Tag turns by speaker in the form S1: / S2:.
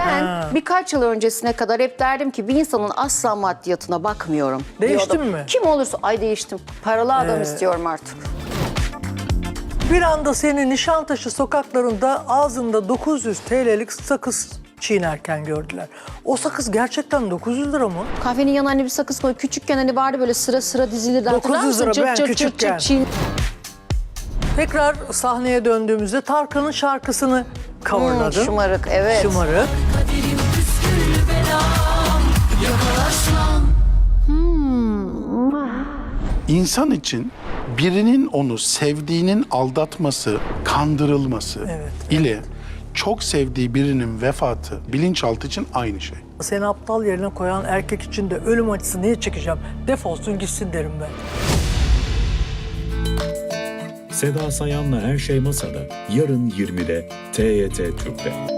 S1: Ben birkaç yıl öncesine kadar hep derdim ki bir insanın asla maddiyatına bakmıyorum.
S2: Değiştin
S1: diyordum.
S2: mi?
S1: Kim olursa ay değiştim. Paralı adam istiyorum artık.
S2: Bir anda seni Nişantaşı sokaklarında ağzında 900 TL'lik sakız çiğnerken gördüler. O sakız gerçekten 900 lira mı?
S1: Kahvenin yanına hani bir sakız koy. Küçükken hani vardı böyle sıra sıra dizilirdi.
S2: 900 lira ben küçükken.
S1: çiğn.
S2: Tekrar sahneye döndüğümüzde Tarkan'ın şarkısını coverladın.
S1: Şımarık, evet.
S2: Şımarık.
S3: Kaderim püsküllü belam, yakalaşmam.
S4: İnsan için birinin onu sevdiğinin aldatması, kandırılması ile çok sevdiği birinin vefatı bilinçaltı için aynı şey.
S2: Seni aptal yerine koyan erkek için de ölüm acısı niye çekeceğim? Defolsun gitsin derim ben.
S5: Seda Sayan'la Her Şey Masada yarın 20'de TYT Türk'te.